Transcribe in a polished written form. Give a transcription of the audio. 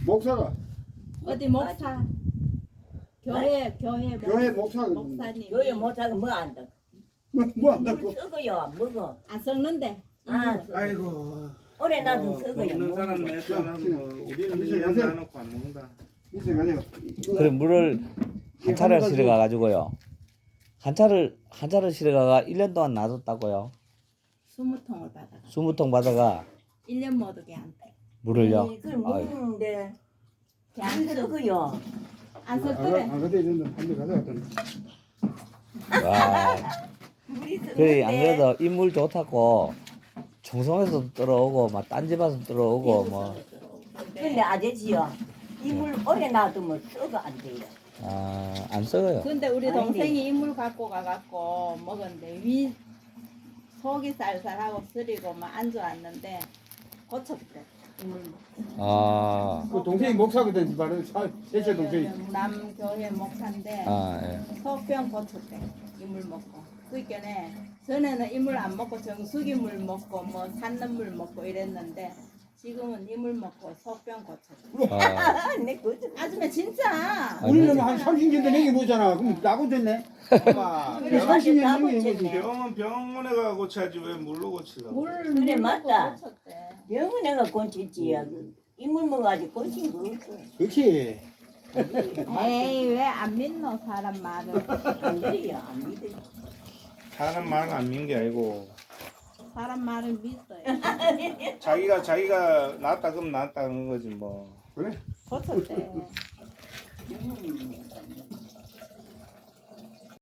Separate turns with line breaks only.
목사가
어디 목사? 교회
목사가
목사님.
교회 못하고 뭐 안다.
뭐 한다고?
썩어요. 먹어.
안 썩는데.
아,
아이고.
오래 놔두면 썩어요.
먹는 사람
먹어.
몇 사람 뭐 우리는
잠시
1년
가세요.
나놓고 안 먹는다.
이제 가세요.
그래 물을 한 차를 실어 가가지고요. 한 차를 실어 가가 1년 동안 놔뒀다고요.
20통을 받아가.
20통 받아가
1년 못 오게 한 팩.
물을요.
그걸 먹는데 안 썩어요.
안 썩더래.
안 그때 이런데 한대 가져갔더니
와.
물이
그래 안
썩는데
그래도 인물 좋다고 청송에서 들어오고 막 딴 집 와서 들어오고 뭐.
근데 아저씨요. 이물 오래 놔두면 썩어 안 돼요.
안 썩어요.
근데 우리
아니,
동생이 이물 갖고 가갖고 먹었는데 위 속이 쌀쌀하고 쓰리고 막 안 좋았는데 고쳤대. 이물 먹고.
그 동생이 목사거든 말은 셋째 동생이
남교회 목사인데
예.
속병 고쳤대. 이물 먹고. 그러니까 전에는 이물 안 먹고 정수기 물 먹고 뭐 산는 물 먹고 이랬는데 지금은 이물 먹고 속병 고쳤대.
내 거죠.
아줌마 진짜.
우리는 한 30년 된 얘기 보잖아. 그럼 나고 됐네. 엄마.
그래,
30년
맞아,
된 얘기
나고
보지.
됐네.
병원 병원에 가 고쳐야지 왜 물로 고치려고?
물
그래,
먹고
맞다.
고쳤대.
병원에가 고쳤지야. 이물 먹어가지고 고친 거 없어.
그렇지.
에이 왜 안 믿노 사람 말을.
안 그래요. 안 믿어요.
사람 말 안 믿는 게 아니고
사람 말을 믿어요.
자기가 낫다 그럼 낫다는 거지 뭐.
그래.
고쳤대.